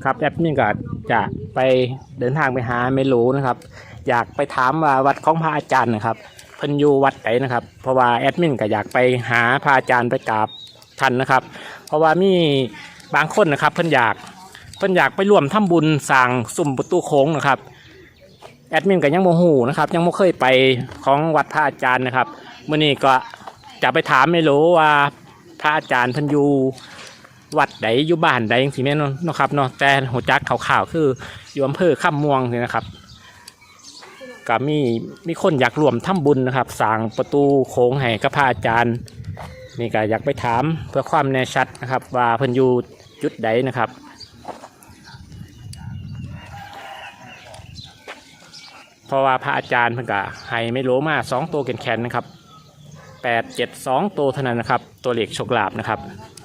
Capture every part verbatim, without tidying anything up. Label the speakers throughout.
Speaker 1: ครับแอดมินก็จะไปเดินทางไปหาไม่รู้นะครับอยากไปถามว่าวัดของพระอาจารย์นะครับเพิ่นอยู่วัดไหนนะครับเพราะว่าแอดมินก็อยากไปหาพระอาจารย์ไปกราบท่านนะครับเพราะว่ามีบางคนนะครับเพิ่นอยากเพิ่นอยากไปร่วมทำบุญสร้างสุ่มประตูโค้งนะครับแอดมินก็ยังโมโหนะครับยังไม่เคยไปของวัดพระอาจารย์นะครับมื้อนี้ก็จะไปถามไม่รู้ว่าพระอาจารย์เพิ่นอยู่วัดใดอยู่บ้านใดอย่างที่แม่นเนาะครับเนาะแต่หัวจักข่าวๆคืออยู่อำเภอข้ามม่วงนี่นะครับก็มีมีคนอยากรวมทำบุญนะครับสร้างประตูโค้งให้กับพระอาจารย์นี่ก็อยากไปถามเพื่อความแน่ชัดนะครับว่าเพิ่นอยู่จุดใดนะครับเพราะว่าพระอาจารย์เพิ่นก็ให้ไม่โลมาสองตัวแข็งๆนะครับแปดเจ็ดสองตัวเท่านั้นนะครับตัวเลขโชคลาภนะครับ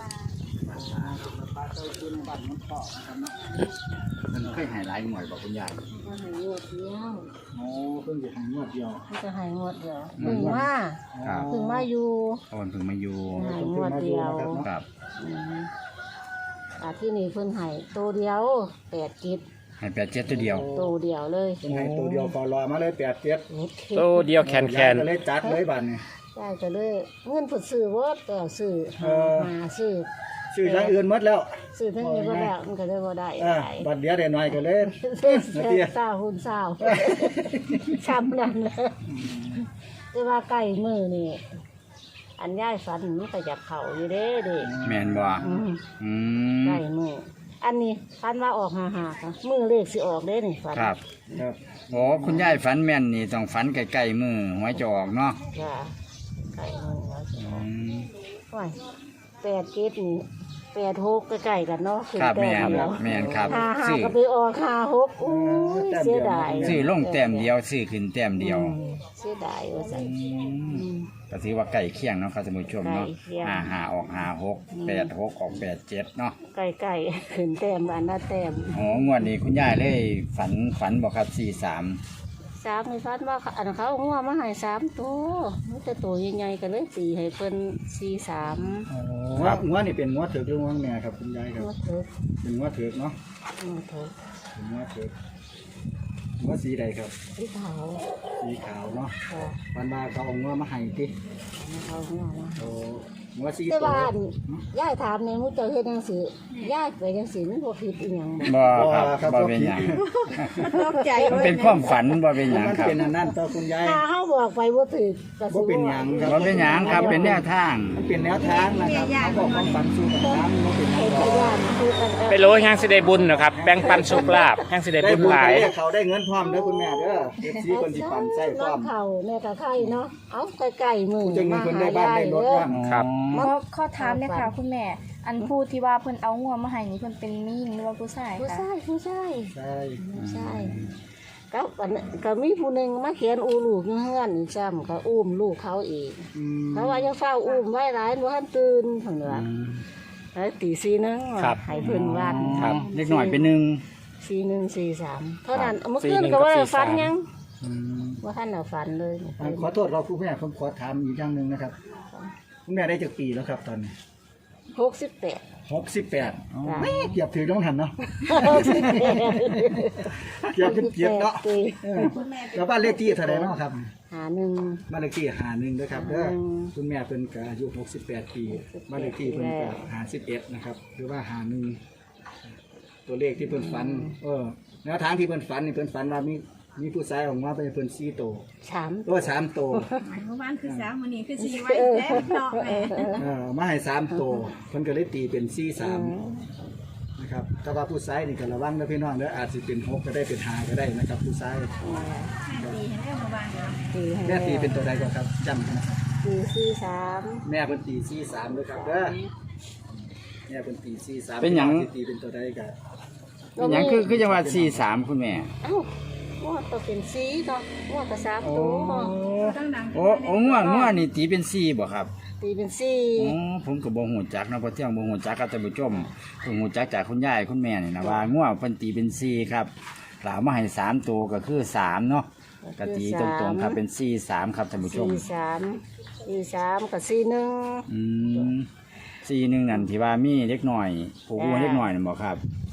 Speaker 2: มันเคยหายหลายหน่วยบอกคุณยาย
Speaker 3: มันหายงวดเดียว
Speaker 2: โอ้เพิ่งจะหายงวดเดียว
Speaker 3: มันจะหายงวดเดียวเพึ่งมา
Speaker 2: ครับ
Speaker 3: เพึ่งมาอยู่
Speaker 2: ตอนเพิ่งมาอยู่
Speaker 3: หายงวดเดียว
Speaker 2: ครับ
Speaker 3: อืมอาที่นี่เพิ่นใหายตัวเดียวแปดกิจ
Speaker 2: หายแปดเจ็ดตัวเดียว
Speaker 3: ตัวเดียวเลย
Speaker 4: เป็นไงตัวเดียวพอรอมาเลยแปดเจ็ด
Speaker 1: ตัวเดียวแข็ง
Speaker 4: ก็เลยจัดเลยบัตรนี่
Speaker 3: ได้ก็เลยเงินผุดซื้อว่าแต่ซื้อหาหาซื้อ
Speaker 4: ชื่ออย่างอื่นหมดแล้ว
Speaker 3: ซื้อทั้งนี้บ่ได้มันก็เลยบ่ได้
Speaker 4: อ่า
Speaker 3: หลาย
Speaker 4: บัตรเดียวเดี๋ยวหน่อยก็เลย
Speaker 3: ซื้อเศร้าหุ่นเศร้าช้ำนั่นเลยแต่ว่าใกล้มือนี่อันย่ายฝันมันก็อยากเข่าอยู่เด้เด็ก
Speaker 2: แมนบ่
Speaker 3: อืม
Speaker 2: อืม
Speaker 3: ใกล้มืออันนี้ฝันว่าออกหาหาค่ะมือเลขสิออกเด้นี่ฝัน
Speaker 2: ครับ
Speaker 4: ครับ
Speaker 2: โอ้คุณยายฝันแม่นนี่ต้องฝันใกล้ๆมือหวยจะออกเนาะ
Speaker 3: จ้ะใกล้มือว่าสิอ
Speaker 2: อื
Speaker 3: อก
Speaker 2: ม
Speaker 3: โอ้ยแปดเจ็ดนี่แปดหกใกล้ๆกันเนาะขึ้น
Speaker 2: ครับ
Speaker 3: แต้
Speaker 2: แม่
Speaker 3: ม
Speaker 2: น
Speaker 3: เดียว
Speaker 2: แม่นครับ
Speaker 3: หาหา
Speaker 2: ซื้อ
Speaker 3: ก็ไปออกหาหกอู้ยเสียดาย
Speaker 2: ซื้อลงแต้มเดียวซื้อขึ้นแต้มเดียว
Speaker 3: อืมเสียดายว่าซั่น
Speaker 2: อืม
Speaker 3: อืม
Speaker 2: ก็ถือว่าใกล้เคียงเนาะครับท่านผู้ชมเนาะ
Speaker 3: ใกล้เคียง
Speaker 2: ห้าหาออกห้าหกแปดหกออกแปดเจ็ดเนาะ
Speaker 3: ใกล้ๆขึ้นแต้มอันละแต้ม
Speaker 2: อ๋องวดนี้คุณยายเลยฝันฝันบอกครับสี่สาม
Speaker 3: สามมีฟันว่าอันเขาเอางัวมาให้สามตัวมันจะตัวใหญ่ๆกันเลยสี่ให้เพิ่นสี่สาม
Speaker 4: งัวงัวนี่เป็นงัวเถือกหรืองัวแม่ครับคุณยายครับ
Speaker 3: งัวเถิก
Speaker 4: เป็นงัวเถือกเนาะ
Speaker 3: งัวเถิก
Speaker 4: เป็นงัวเถือกงัวสีใดครับ
Speaker 3: ที่เขา
Speaker 4: สีขาวเนาะ
Speaker 3: ค่ะ
Speaker 4: วันมาเขาเอางัวมาให้ติ
Speaker 3: เขางัวมา
Speaker 4: โอ้งัวสี
Speaker 3: แต่
Speaker 4: ตัว
Speaker 3: ว่าอันย่ายถามในมุจเจ้าเฮ็ดจังซี่ย่ายไปจังซี่มันบ่ผิดอีหยังบ่
Speaker 2: บ่ครับบ่เป็นหยัง
Speaker 3: ตกใจ
Speaker 2: มันเป็นความฝันบ่เป็นหยัง
Speaker 4: มัน
Speaker 2: ครับ
Speaker 4: เป็นอันนั้นต่อคุณยาย
Speaker 3: ถ้าเฮาบอกไปบ่ถูกก็สิ
Speaker 4: บ่เป็นหยังครับ
Speaker 2: บ่เป็นหยังครับเป็นแนวทาง
Speaker 4: มันเป็นแนวทางนะครับเขาบอกความฝันสู่กับทางมันเป็นแน
Speaker 3: ให้
Speaker 4: ว
Speaker 3: พ
Speaker 4: ทาง
Speaker 3: ยานคือกัน
Speaker 1: ไปโลแห่งสิได้บุญนะครับแบ่งปันโชคลาภแห่งสิได้
Speaker 4: ได้
Speaker 1: บุญ
Speaker 4: บุญ
Speaker 1: หลาย
Speaker 4: ได้เขาได้เงินพร้อมเด้อคุณแม่เด้อเอฟซีคนที่ปั่นใส่พร้อม
Speaker 3: น้ำเขาแม่ก็ไข่เนาะเอ้าใกล้ๆมือ
Speaker 4: จะมี
Speaker 3: มา
Speaker 4: คน
Speaker 3: หา
Speaker 4: ได้บ้าน
Speaker 3: ยาย
Speaker 4: ได้รถ
Speaker 3: เด้อ
Speaker 4: บ้าง
Speaker 1: ครับ
Speaker 2: อ๋อ
Speaker 5: ขอขอถามเลยค่ะคุณแม่ อันผู้ที่ว่าเพิ่นเอางัวมาให้นี่เพิ่นเป็นมีหญิงหรือว่าผู้ชาย
Speaker 3: ผู้
Speaker 5: คะ
Speaker 3: ชายผู้ชาย
Speaker 4: ใช่
Speaker 3: ผู้ชายก็อันนั้นก็มีผู้หนึ่งมาเขียนอูลูกอยู่เฮือนอีกซ้ำก็อุ้มลูกเขาเอง
Speaker 4: อืม
Speaker 3: เขาว่ายังเฝ้าอุ้มไว้หลายบ่ทันตื่นเพิ่นว่าแล้วตีสี่นึง
Speaker 1: ครับ
Speaker 3: ให้เพิ่นวาด
Speaker 1: ครับ
Speaker 2: เล็กหน่อยเป็นหนึ่ง
Speaker 3: สี่หนึ่งสี่สามเท่านั้นเมื่อ
Speaker 1: สี่
Speaker 3: คืน
Speaker 1: หนึ่ง
Speaker 3: ก็ว่า
Speaker 1: กับสี่
Speaker 3: ฝัน
Speaker 1: สาม
Speaker 3: ยัง
Speaker 4: อืม
Speaker 3: ว่าท่านเอาฝันเลย
Speaker 4: อ่าขอโทษเราคุณแม่ผมขอถามอีกอย่างหนึ่งนะครับคุณแม่ได้จากปีแล้วครับตอนนี้
Speaker 3: หกสิบแปด
Speaker 4: หกสิบแปด
Speaker 3: จ้ะ
Speaker 4: ไม่เกียบถือต้องหันเนาะ
Speaker 3: หกสิบแปด
Speaker 4: เกียบเป็นเกียบเนาะ
Speaker 3: ปี
Speaker 4: เออแล้วบ้านเลขที่เท่าไหร่เนาะครับ
Speaker 3: หาหนึ่ง
Speaker 4: บ้านเลขที่หาหนึ่งด้วยครับเด้อ
Speaker 3: อืม
Speaker 4: คุณแม่เป็นกอายุหกสิบแปดปีบ้านเลขที่เพิ่นก็หาสิบเอ็ดนะครับหรือว่าหาหนึ่งตัวเลขที่เพิ่นฝันเออแนวทางที่เพิ่นฝันนี่เพิ่นฝันว่ามีมีผู้ชายออกมาเป็นเพิ่นสี่โตว
Speaker 3: สาม
Speaker 4: ตัวสามโตว
Speaker 6: เมื่อวานคือสามวันนี้คือสี่ไว้แล้วเนาะแม่
Speaker 4: เออมาให้สามโตวเพิ่นก็เลยตีเป็นสี่สามนะครับถ้าว่าผู้ชายนี่ก็ระวังนะพี่น้องเด้ออาจสิเป็นหกก็ได้เป็นห้าก็ได้นะครับผู้ชาย
Speaker 6: แม่ตีให้แล้วเมื่อวานเนาะ
Speaker 3: ตีให้
Speaker 4: แม่ตีเป็นตัวใดก่อนครับจำนะครับ
Speaker 3: ตีสี่สาม
Speaker 4: แม่เพิ่นตีสี่สามด้วยครับเด้อแม่เพิ่นตีสี่สาม
Speaker 2: เป็นหยัง
Speaker 4: สิตีเป็นตัวใดก็
Speaker 2: เป็นหยังคือคือจังหวัดสี่สามคุณแม่
Speaker 3: เอ้าว่าต้องเป็นสีเนาะว่าก็สามตัวเนาะ
Speaker 6: ตั้งดัง
Speaker 2: โอ้โอ้ง่วงง่วงนี่ตีเป็นสี่บ่ครับ
Speaker 3: ตีเป็นสี
Speaker 2: อ๋อผมก็บ่ฮู้จักนะเพราะเที่ยงบ่ฮู้จักกับท่านผู้ชมผมฮู้จักจากคุณยายคุณแม่นี่นะว่าง่วงเพิ่นตีเป็นสี่ครับหลามาให้สามตัวก็คือสามเนาะก็ตีตรงๆครับเป็นสี่สามครับท่านผู้ชม
Speaker 3: สี่สามสี่สามกับสี่หนึ่ง
Speaker 2: อืมสี่หนึ่งนั่นที่ว่ามีเล็กหน่อยผูกวัวเล็กหน่อยนั่นบ่ครับ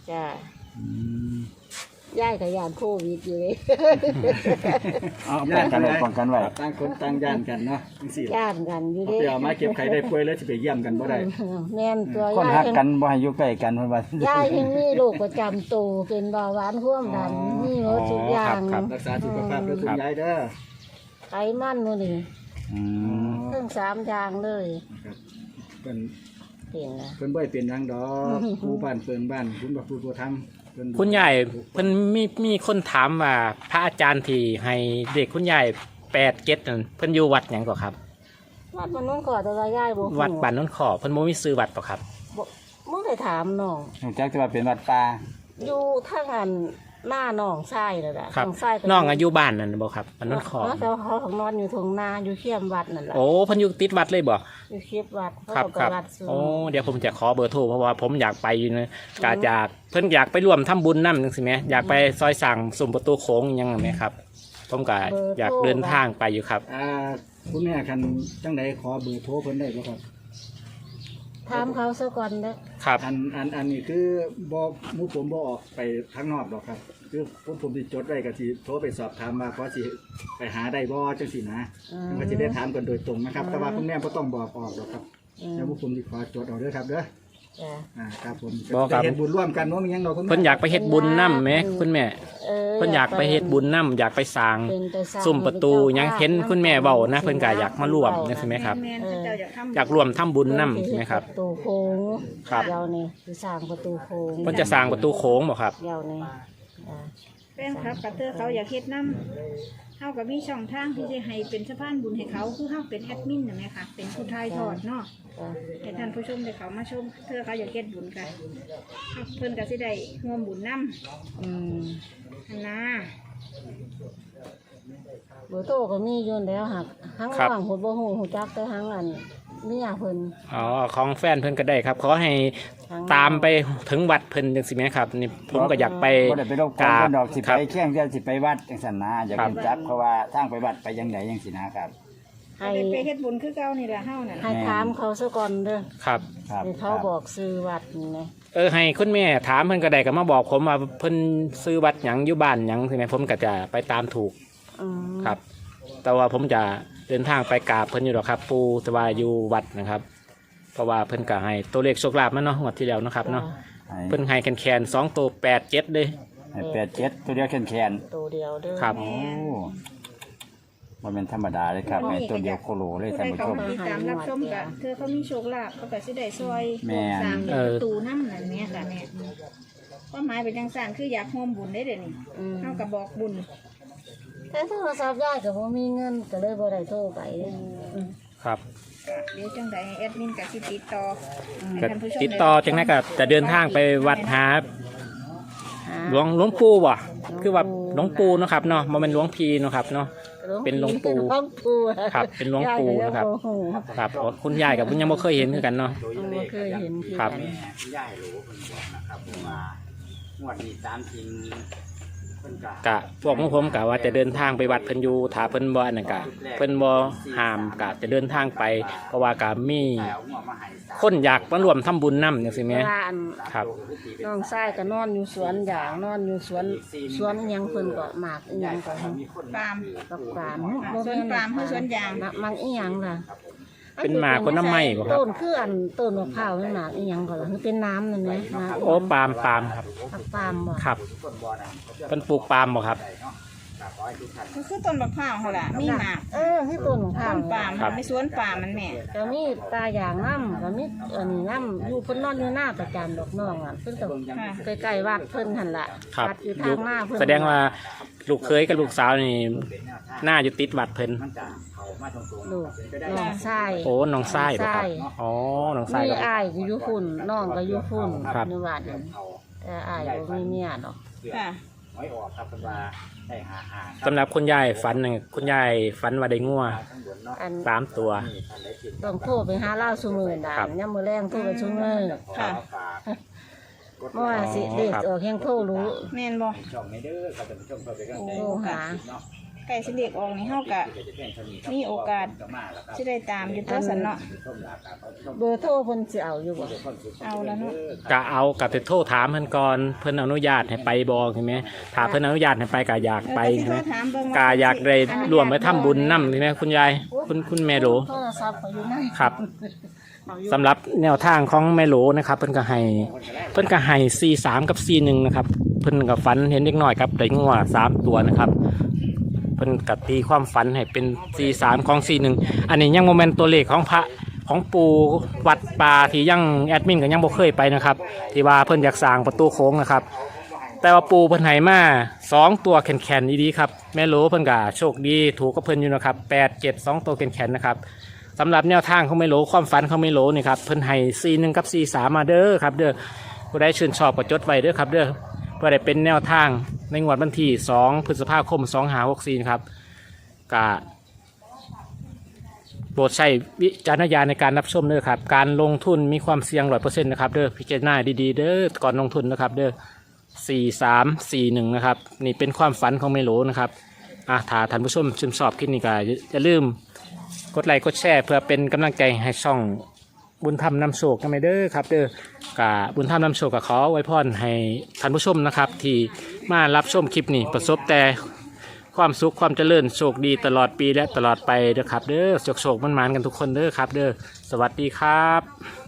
Speaker 3: จ้า
Speaker 2: อืม
Speaker 3: ย่ายกับยานโควิดอยู่เลย
Speaker 2: เอาป้องกันไว้ป้องกันไว้
Speaker 4: ต่างคนต่างย่านกันเนาะจังซี่ล่ะ
Speaker 3: ย่านกันอยู่
Speaker 4: เอา
Speaker 3: เลย
Speaker 4: ไปเอามาเก็บไข่ได้ป่วยแล้วสิไปเยี่ยมกันบ่ได้
Speaker 3: แม่นตัว
Speaker 2: คน
Speaker 3: ย่าย
Speaker 2: ฮัก
Speaker 3: ยัง
Speaker 2: กันบ่ให้อยู่ใกล้กันเพิ่นว่า
Speaker 3: ย่ายยังมีโรคประจำตัวเป็นเบาหวานความดันมีหมดทุกอย่าง
Speaker 1: ครับ
Speaker 4: รักษาสุขภาพด้วยคุณยายเด้อ
Speaker 3: ไขมันมื้อนี้
Speaker 2: อืม
Speaker 3: ทั้งสามอย่างเลย
Speaker 4: นะครับเพิ่น
Speaker 3: เป็นนะ
Speaker 4: เพิ่นบ่ได้เป็นหยังดอกครูบ้านเปิงบ้านคุณบ่ครูตัวทำเพิ่น
Speaker 1: คุณยายเพิ่นมีมีคนถามว่าพระอาจารย์ที่ให้เด็กคุณยายแปดเจ็ดนั่นเพิ่นอยู่วัดหยังก่อครับ
Speaker 3: วัดมันน้องขอแต่ว่าย่ายบ่ฮู้
Speaker 1: วัดบ้านโนนขอเพิ่นบ่มีซื้อวัดป่ะครับ
Speaker 3: บ่มึงได้ถามน้อง
Speaker 2: รู้จักแต่ว่าเป็นวัดป่า
Speaker 3: อยู่ทางอันหน้าน้องชายนั่นแหละ
Speaker 1: ครับ
Speaker 3: ทางชายก็
Speaker 1: น้องอายุบ้านนั่นบ่ครับบ้านโนนขอ
Speaker 3: แล้วเขาของนอนอยู่ทงนาอยู่เขี้ยมวัดนั่นแหละ
Speaker 1: โอ้เพิ่นอยู่ติดวัดเลยบ่
Speaker 3: อยู่เขี้ยมวัดเขา
Speaker 1: ครับ
Speaker 3: ก็
Speaker 1: ครับ
Speaker 3: วัดสูง
Speaker 1: โอ้เดี๋ยวผมจะขอเบอร์โทรเพราะว่าผมอยากไปอยู่นะกาอยากเพิ่นอยากไปร่วมทำบุญนำจังซี่แหมอยากไปซอยสั่งสุ่มประตูโค้งอิหยังนั่นแหมครับ ผมก็อยากเดินทางไปอยู่ครับ
Speaker 4: อ่าคุณแม่คันจังไดขอเบอร์โทรเพิ่นได้บ่ครับ
Speaker 3: ถามเขาซะก่อนเด้อ
Speaker 1: ครับ
Speaker 4: อันอันอันนี้คือบ่หมู่ผมบ่ออกไปข้างนอกหรอกครับ คือผมผมสิจดไว้ก็สิโทรไปสอบถามว่าพอสิไปหาได้บ่จังซี่นะมันก็สิได้ถามกันโดยตรงนะครับ แต่ว่าคุณแม่บ่ต้องบอกออกหรอกครับ
Speaker 3: อืม
Speaker 4: เดี๋ยวพวกผมสิขอจดเอาเด้อครับเด้อ
Speaker 3: จ้ะ
Speaker 4: อ่าครับผม
Speaker 1: บ่ครับ
Speaker 4: จะเฮ็ดบุญร่วมกันเนาะมีหยังเนาะคุณแม่
Speaker 1: เพิ่นอยากไปเฮ็ดบุญนำแหมคุณแม่
Speaker 3: เออ
Speaker 1: เพิ่นอยากไปเฮ็ดบุญนำอยากไปสร้าง
Speaker 3: เป็นไปสร้าง
Speaker 1: สุ่มประตูหยังเห็นคุณแม่เว้านะเพิ่นก็อยากมาร่วมจังซี่แหมครับ
Speaker 6: แม่นๆเจ้าอยากทำ
Speaker 1: อยากร่วมทำบุญนำใช่ไหมครับ
Speaker 3: ประตูโค้ง
Speaker 1: ครับ
Speaker 3: เดี๋ยวนี้คือสร้างประตูโค้ง
Speaker 1: เพิ่นจะสร้างประตูโค้งบ่ครับ
Speaker 3: เดี๋ยวนี้อ่า
Speaker 6: แฟนครับกับเธอเขาอยากเฮ็ดน้ำเฮากับมีช่องทางที่จะให้เป็นสะพานบุญให้เขาคือเฮาเป็นแอดมินนะแม่ค่ะเป็นผู้ทายทอดเนาะ
Speaker 3: จ้ะ
Speaker 6: ให้ท่านผู้ชมได้เขามาชมเธอเขาอยากเฮ็ดบุญกันเพิ่นก็สิได้ร่วมบุญนำ
Speaker 3: อืม
Speaker 6: อันนะ
Speaker 3: เบอร์โทรก็มีอยู่แล้วหักทั้ง
Speaker 1: ครับ
Speaker 3: ว่างหัวบ่ฮู้ฮู้จักแต่ทั้งอันเมียเพิ่น
Speaker 1: อ๋อของแฟนเพิ่นก็ได้ครับขอให้ตามไปถึงวัดเพิ่นจังซี่แหมครับนี่ผมก็อยากไป
Speaker 2: บ่ได้ไปรบก
Speaker 1: ก
Speaker 2: วน
Speaker 1: ราบ
Speaker 2: เพิ่นดอกสิ
Speaker 1: ค
Speaker 2: ไป
Speaker 1: รับ
Speaker 2: แข่งเดียวสิไปวัดจังซั่นนะอยาก
Speaker 1: ครับ
Speaker 2: รู้จักเพราะว่าทางไปวัดไปยังไดจังซี่นะครับ
Speaker 3: ให้
Speaker 6: ได้ไปเฮ็ดบุญคือเก่านี่ล่ะเฮานั่น
Speaker 3: ให้ถามเขาซะก่อนเด้อ
Speaker 1: ครับ
Speaker 2: ครับ
Speaker 3: ให้เขาบอกซื้อวัดนี่นะ
Speaker 1: เออให้คุณแม่ถามเพิ่นก็ได้ก็มาบอกผมว่าเพิ่นซื้อวัดหยังอยู่บ้านหยังใช่ไหมผมก็จะไปตามถูก
Speaker 3: อืม
Speaker 1: ครับ แต่ว่าผมจะเดินทางไปกราบเพิ่นอยู่หรอกครับ ปูแต่ว่าอยู่วัดนะครับ เพราะว่าเพิ่นก็ให้ตัวเลขโชคลาภมาเนาะงวดที่แล้วเนาะครับเนาะ
Speaker 2: ให้
Speaker 1: เพิ่นให้แคนๆสองตัวแปดเจ็ดเลย
Speaker 2: ให้แปดเจ็ดตัวเดียวแคนๆ
Speaker 3: ตัวเดียวเด้อ
Speaker 1: ครับ
Speaker 2: โอ้มันเป็นธรรมดาเลยครับในตัวเดียวโคโลเลย
Speaker 6: ผู้
Speaker 2: ท่าน
Speaker 6: ใด
Speaker 2: ผู้
Speaker 6: เขา
Speaker 2: ชม
Speaker 6: มาติดตามรับชมก็เธอเขามีโชคลาภเขาก็สิได้ซอย
Speaker 2: แม่น
Speaker 6: สร้าง
Speaker 1: เออ
Speaker 6: ประตูนำนั่นแม่ค่ะแม่ความหมายเป็นจังซั่นคืออยากร่วมบุญได้เด้อนี่
Speaker 3: อืม
Speaker 6: เฮาก็บอกบุญ
Speaker 3: แต่โทรศัพท์ยายก็บ่มีเงินก็เลยบ่ได้โทรไปอืม
Speaker 1: ครับ
Speaker 6: เดี๋ยวจังใดแอดมินก็สิติดต่อให้
Speaker 1: ก็
Speaker 6: ท่านผู้ชม
Speaker 1: ติดต่อจังนั้นก็จะเดินทางไปวัดหา
Speaker 3: หา
Speaker 1: หลวงหลวงปู่บ่คือว่าหลวงปู่เนาะครับเนาะบ่แม่นหลวงพีเนาะครับเนาะ เป็นหลวงปู่
Speaker 3: หลวงปู่
Speaker 1: ครับเป็นหลวงปู่นะครับ
Speaker 3: ยายก็ยังบ่ฮู้
Speaker 1: ครับอ๋อคุณยายกับคุณยังบ่เคยเห็นคือกันเนาะ
Speaker 3: บ่เคยเห็นคือ
Speaker 1: ครับ
Speaker 3: กัน
Speaker 2: ย่ายรู้เพิ่นบอกนะครับว่างวดนี้ตามจริงเพิ่นก็
Speaker 1: กะพวกของผมกะว่าจะเดินทางไปวัดเพิ่นอยู่ถ้าเพิ่นบ่อันนั้นกะเพิ่นบ่ห้ามกะจะเดินทางไปเพราะว่ากะมี
Speaker 2: เอาหัวมาให้สาม
Speaker 1: คนอยากมารวมทำบุญนำจังซี่แหม
Speaker 3: ว่าอัน
Speaker 1: ครับ
Speaker 3: น้องชายก็นอนอยู่สวนยางนอนอยู่สวนสวนอิหยังเพิ่นก็หมากอิหยังก็
Speaker 2: มีคน
Speaker 6: ปาล์ม
Speaker 3: ปักปาม
Speaker 6: สวนปาล์มคือสวนยาง
Speaker 3: หมากหมากอีหยังล่ะ
Speaker 1: เป็นหมากคนน้ำไม้บ่ครับ
Speaker 3: ต้นคืออันต้นมะพร้าวนี่หมากอีหยังก็ล่ะคือเป็นน้ำนั่นแหละหมาก
Speaker 1: โอ้ปาล์มปาล์มครับ
Speaker 3: ปักปามบ่
Speaker 1: ครับเพิ่นปลูกปาล์มบ่ครับ
Speaker 6: ก็คือต้นบักพร้าวเขาล่ะมีหมาก
Speaker 3: เออคือต้นมะพร้า
Speaker 6: ต้
Speaker 3: วน
Speaker 6: ปาล์ม
Speaker 1: ครับ
Speaker 6: ไม่สวนปาล์มมันแม่
Speaker 3: ก็มีตาอย่างน้ำก็มีอันนี้น้ำอยู่เพิ่นนอนอยู่หน้าประจำดอกน้องอ่ะเพิ่นก็
Speaker 6: ค่ะ
Speaker 3: ใกล้ๆวัดเพิ่นหั่นล่ะ
Speaker 1: ครับ
Speaker 3: วัดอยู่ทางหน้าเพิ่น
Speaker 1: แสดงว่าลูกเคยกับลูกสาวนี่น่าอยู่ติดวัดเพิ่น
Speaker 3: ลูกน้องชาย
Speaker 1: โอ้น้องชายบ่ครับ
Speaker 3: น้องชาย
Speaker 1: อ๋อน้องชาย
Speaker 3: มี
Speaker 1: ก็
Speaker 3: อ้ายก็อยู่ฝุ่นน้องก็อยู่ฝุ่น
Speaker 1: ครับ
Speaker 3: ในวัดนั่นแต่อ้ายบ่มีเมียดอก
Speaker 6: ค่ะ
Speaker 2: ไว้ออกครับเพิ่นว่าได้หาหา
Speaker 1: สำหรับคุณยายฝันนี่คุณยายฝันว่าได้งัว
Speaker 3: อัน
Speaker 1: สามตัว
Speaker 3: ต้องโทรไปหาเล่าซุมื้อดา
Speaker 1: ครับ
Speaker 3: ยามมื้อแรงโทรไปซุมื้อ
Speaker 6: ค่ะ
Speaker 3: เพราะว่าสิเด็กออกแห่งโทรรู้
Speaker 6: แม่นบ่
Speaker 2: ช่องนี้เด้อครับท่านผู้ชมเพื่อเป็นกำลังใจ
Speaker 3: โทรหา
Speaker 2: เนาะ
Speaker 6: ไก่สิเด็กออกนี่เฮาก็มีโอกาสสิได้ตามอยู่ตัวสันเนาะ
Speaker 3: เบอร์โทรเพิ่นสิเอาอยู่บ่
Speaker 6: เอาแล้วเนาะ
Speaker 1: ก็เอากับไปโทรถามเพิ่นก่อนเพิ่นอนุญาตให้ไปบ่ใช่ไหมถ้าเพิ่นอนุญาตให้ไปก็อยากไป
Speaker 6: เออ
Speaker 1: ใช่ไหม
Speaker 6: ก็สิโทรถามเบิ่งว่
Speaker 1: ก็อยากได้ร่วมไปทำบุญนำใช่ไหมคุณยายคุณคุณแม่โหล
Speaker 3: โทรศัพท์เขาอยู่ไหน
Speaker 1: ครับสำหรับแนวทางของแม่โหลนะครับเพิ่นก็ให้เพิ่นก็ให้สี่สามกับสี่หนึ่งนะครับเพิ่นก็ฝันเห็นเล็กน้อยครับได้งัวสามตัวนะครับเพิ่นก็ตีความฝันให้เป็นสี่สามของสี่หนึ่งอันนี้ยังโมเมนต์ตัวเลขของพระของปูวัดป่าที่ยังแอดมินก็ยังบ่เคยไปนะครับที่ว่าเพิ่นอยากสร้างประตูโค้งนะครับแต่ว่าปูเพิ่นให้มาสองตัวแข็งๆดีๆครับแม่โหลเพิ่นก็โชคดีถูกกับเพิ่นอยู่นะครับแปดเจ็ดสองตัวแข็งๆนะครับสำหรับแนวทางเขาไม่โหลความฝันเขาไม่โหลนี่ครับเพิ่นให้สี่หนึ่งกับสี่สามมาเด้อครับเด้อผู้ใดชื่นชอบก็จดไว้เด้อครับเด้อเพื่อได้เป็นแนวทางในงวดวันที่สองพฤษภาคมสองห้าหกสี่ครับกะโปรดใช้วิจารณญาณในการรับชมเด้อครับการลงทุนมีความเสี่ยงร้อยเปอร์เซ็นต์นะครับเด้อพิจารณาดีๆเด้อก่อนลงทุนนะครับเด้อสี่สามสี่หนึ่งนะครับนี่เป็นความฝันของไม่โหลนะครับอ่ะถ้าท่านผู้ชมชื่นชอบคลิปนี้ก็อย่าลืมกดไลค์กดแชร์เพื่อเป็นกำลังใจให้ช่องบุญธรรมนำโชคกันไปเด้อครับเด้อกะบุญธรรมนำโชคก็ขอไว้พรให้ท่านผู้ชมนะครับที่มารับชมคลิปนี้ประสบแต่ความสุขความเจริญโชคดีตลอดปีและตลอดไปเด้อครับเด้อโชคโชคมันๆกันทุกคนเด้อครับเด้อสวัสดีครับ